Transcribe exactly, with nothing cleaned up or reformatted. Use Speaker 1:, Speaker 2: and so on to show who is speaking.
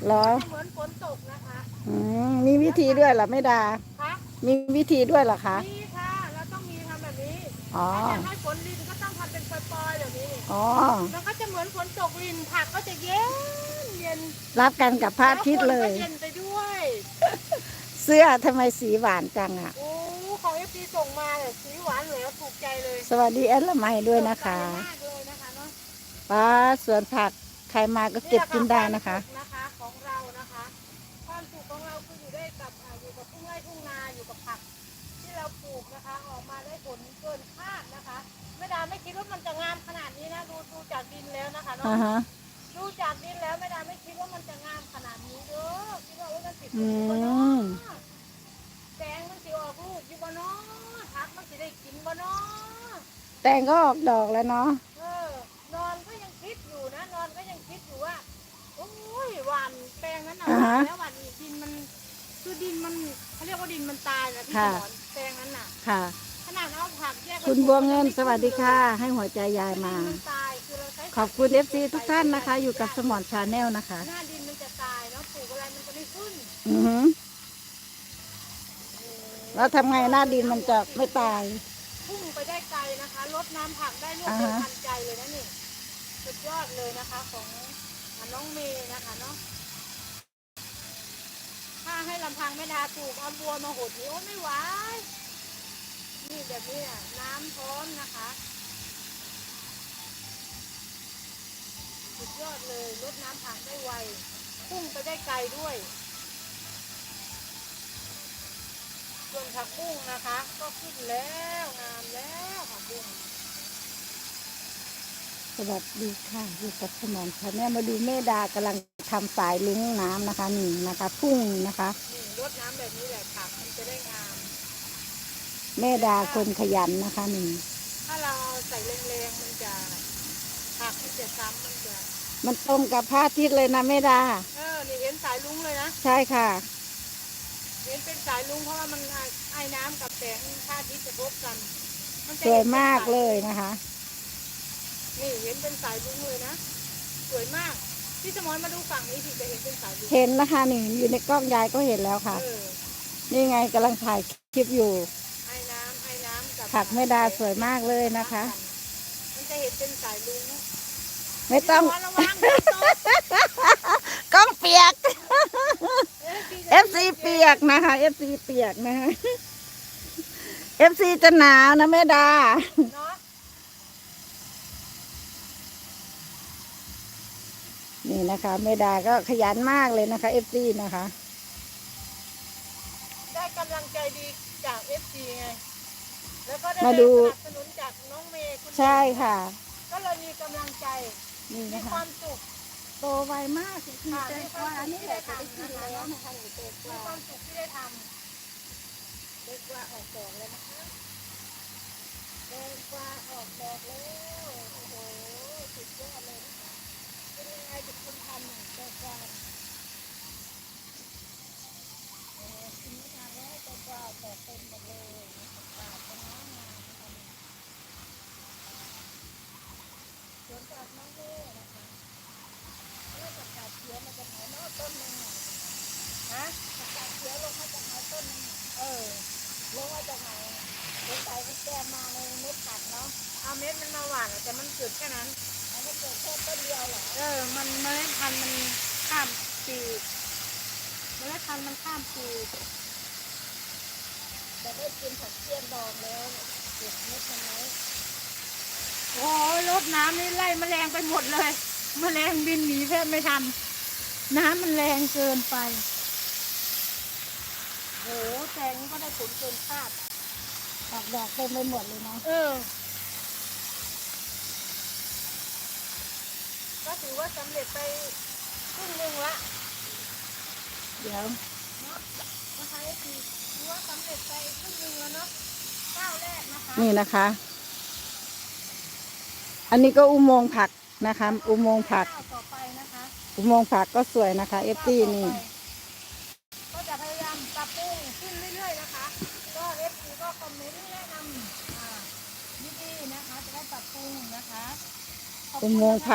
Speaker 1: เหรอ
Speaker 2: จะเหมือนฝนตกนะคะ
Speaker 1: อืมมีวิธีด้วยเหรอไม่ดา
Speaker 2: คะ
Speaker 1: มีวิธีด้วยเหรอคะ
Speaker 2: นี่ค่ะเราต้องมีทำแบบนี้
Speaker 1: อ๋อ
Speaker 2: ถ้าอยากให้ฝนลินก็ต้องทำเป็นปล่อยๆแบบนี้
Speaker 1: อ๋อ
Speaker 2: มันก็จะเหมือนฝนตกลินผักก็จะเย็นเย็น
Speaker 1: รับกันกับพระอา
Speaker 2: แล้วคนก็
Speaker 1: ทิตย์เลย
Speaker 2: เย็นไปด้วย
Speaker 1: เสื้อทำไมสีหวานจังอ่ะ
Speaker 2: โอ้ของเอฟซีส่งมาเลยสีหวานเหลือถูกใจเลย
Speaker 1: สวัสดีแอดละไมด้วยนะคะ
Speaker 2: สดใสมากเลยนะคะเนาะ
Speaker 1: ป้าสวนผักใครมาก็
Speaker 2: นี่แหละค่ะ
Speaker 1: เก็บกินได้นะคะ
Speaker 2: วามสุขนะคะของเรานะคะความสุขของเราคืออยู่ได้กับอ่าอยู่กับทุ่งไร่ทุ่งนาอยู่กับผักที่เราปลูกนะคะออกมาได้ผลเกินคาดนะคะไม่ดาไม่คิดว่ามันจะงามขนาดนี้นะดูดูจากดินแล้วนะคะเนาะ
Speaker 1: อ่าฮะ
Speaker 2: ดูจากดินแล้วไม่ได้ไม่คิดว่ามันจะงามขนาดนี้เด้อคิดว่าโอ้ยมันติด
Speaker 1: อื
Speaker 2: อยู่บ่เนาะ
Speaker 1: ม
Speaker 2: แตงมันสิออกลูกอยู่บ่เนาะผักมันสิได้กินบ่เนาะ
Speaker 1: แตงก็ออกดอกแล้วเนาะ
Speaker 2: เออนอนก็ยังคิดอยู่นะนอนก็ยังคิดอยู่ว่าโอ้ยหวานแปลงนั้นน่ะหวานแล้วหวานอีกดินมันคือดินมันเขาเรียกว่าดินมันตายนะพี่สอนแปลงนั้นน่ะ
Speaker 1: ค่ะ
Speaker 2: ขนาดเอาผักแยกไป
Speaker 1: คุณบัวเงินสวัสดีค่ะ ให้หัวใจยายมา
Speaker 2: ดินมันตายคือเราใช้
Speaker 1: ขอบคุณเอฟซีทุกท่านนะคะ อยู่กับสมอนชาแนลนะคะ
Speaker 2: หน้าดินมันจะตายเนาะปลูกอะไรมันจะไม่ขึ้น
Speaker 1: อือหือแล้วทำไงหน้าดินมันจะไม่ตาย
Speaker 2: พุ่งไปได้ไกลนะคะลดน้ำผักได้รวด
Speaker 1: อ่า
Speaker 2: เร็ว
Speaker 1: ฮะ
Speaker 2: ทันใจเลยนะนี่สุดยอดเลยนะคะของน้องเมย์นะคะเนาะถ้าให้ลำพังไม่ดาปลูกเอาบัวมาหดนี่โอ้ไม่ไหวนี่แบบนี้น่ะน้ำพร้อมนะคะสุดยอดเลยลดน้ำผักได้ไวพุ่งไปได้ไกลด้วยส่วนผักบุ้งนะคะ ก็ขึ้นแล้วงามแล้วผักบุ้ง
Speaker 1: สวัสดีค่ะ อยู่กับสมอนชาแนลมาดูแม่ดากำลังทำสายลุงน้ำนะคะนี่นะคะ พุ่งนะคะ
Speaker 2: นี่รดน้ำแบบนี้แหละผักมันจะได้งาม
Speaker 1: แม่ดาคนขยันนะคะนี่
Speaker 2: ถ้าเราใส่แรงๆมันจะผักมันจะซ้ำมันจะ
Speaker 1: มันตรงกับพระอาทิตย์เลยนะแม่ดา
Speaker 2: เออนี่เห็นสายลุงเลยนะ
Speaker 1: ใช่ค่ะ
Speaker 2: เห็นเป็นสายลุงเพราะว่ามันไอไอ้น้ำกับแสงพระอาทิตย์จะพบกันนจะ
Speaker 1: สวย
Speaker 2: เห็นป็น
Speaker 1: มาก
Speaker 2: ส
Speaker 1: เลยนะคะ
Speaker 2: นี่เห็นเป็นสายลุงเลยนะสวยมากพี่สมรมาดูฝั่งนี้สิจะเห็นเป็นสายลุง
Speaker 1: เห็นนะคะนี่อยู่ในกล้องยายก็เห็นแล้วค่ะ
Speaker 2: เออ
Speaker 1: นี่ไงกำลังถ่ายคลิปอยู่
Speaker 2: ไอ้น้ำไอ้น้ำกับ
Speaker 1: ผักแม่ดาสวยมากเลยนะคะ
Speaker 2: มันจะเห็นเป็นสายลุง
Speaker 1: ไม่ต้อง
Speaker 2: พี่สมรระวังเดี๋ยวตก
Speaker 1: กล้องเปียก
Speaker 2: เอฟ
Speaker 1: เอฟซีเปียกนะคะ เอฟซีเปียกนะคะ เอฟซีจะหนาวนะแม่ดา
Speaker 2: เนาะ
Speaker 1: นี่นะคะแม่ดาก็ขยันมากเลยนะคะ เอฟซีนะคะ
Speaker 2: ได้กำลังใจดีจากเอฟซีไงแล้วก็ได้
Speaker 1: มา
Speaker 2: แรง
Speaker 1: ดู
Speaker 2: สนับสนุนจากน้องเมย์คุณ
Speaker 1: ใช่ค่ะ
Speaker 2: ก็เลยมีกำลังใจ
Speaker 1: นี่
Speaker 2: มี
Speaker 1: นะ
Speaker 2: ค
Speaker 1: คะ
Speaker 2: วามสุข
Speaker 1: โตไวมากคือ
Speaker 2: ค่ะ
Speaker 1: ใจ
Speaker 2: มี
Speaker 1: ก
Speaker 2: ความ
Speaker 1: ว่า
Speaker 2: สุข
Speaker 1: นี่
Speaker 2: ที่
Speaker 1: แห
Speaker 2: ได้
Speaker 1: ละจะได้
Speaker 2: ทำ
Speaker 1: กิน
Speaker 2: นะคะ
Speaker 1: แล้ว
Speaker 2: เนาะ
Speaker 1: นะคะหนูโตก
Speaker 2: มี
Speaker 1: ว่า
Speaker 2: ความสุขที่ได้ท
Speaker 1: เด็กกว่าออกดอกแล้วนะคะเด็กกว่าออกดอกแล้วโอ้โหสุดยอดเลยนะคะเป็นยังไงจะคุณทำหนึ่งเด็กกว่าเออกินไม่ทานแล้วเด็กกว่าดอกเต็มหมดเลยปาดเป็นน้ำงามนะคะสวนจากน้องเล่นะคะเล่กับกาดเขียวมาจากไหนเนาะต้นหนึงอ่ะ
Speaker 2: ำฮะ
Speaker 1: ผักกาดเขียวลงมาจากไหนต้นหนึงอ่ะ
Speaker 2: เออ
Speaker 1: ลงมาจากไหนสงสัยมันแกมมาในเม็ดผักเนาะ
Speaker 2: เอาเม็ดมันมาหว่านอะแต่มันเกิดแค่นั้น
Speaker 1: อันนี้เกิดแค่ต้นเดียวเหรอ
Speaker 2: เออมันเมล็ดพันธุ์มันข้ามปีกเมล็ดพันธุ์มันข้ามปีก
Speaker 1: แต่ได้กินผักเทียมดองแล้วเก็บเม็ดมันไว้
Speaker 2: โอ้ยรดน้ำนี่ไล่แมลงไปหมดเลยแมลงบินหนีแทบไม่ทันน้ำมันแรงเกินไปโอ้แตงก็ได้ผลเกินคาด
Speaker 1: ออกดอกเต็มไปหมดเลยเนาะ
Speaker 2: เออ ก็ถือว่าสำเร็จไปครึ่งหนึ่งละ
Speaker 1: เดี๋ยว
Speaker 2: เนาะนะคะคือถือว่าสำเร็จไปครึ่งหนึ่งแล้วเนาะก้าวแรกนะคะ
Speaker 1: นี่นะคะ อันนี้ก็อุโมงค์ผักนะคะ อุโมงค์ผัก
Speaker 2: ก้าวต่อไปนะคะ
Speaker 1: อุโมงค์ผักก็สวยนะคะเอฟซีนี่
Speaker 2: ก็จะพยายามปรับปรุงขึ้นเรื่อยๆนะคะก็เอฟซีก็คอมเมนต์แนะนำอ่าดีๆนะคะจะได้ปรับปรุงนะคะขอบ
Speaker 1: อุ
Speaker 2: คุณ
Speaker 1: โมงค์
Speaker 2: นะคะ
Speaker 1: ผัก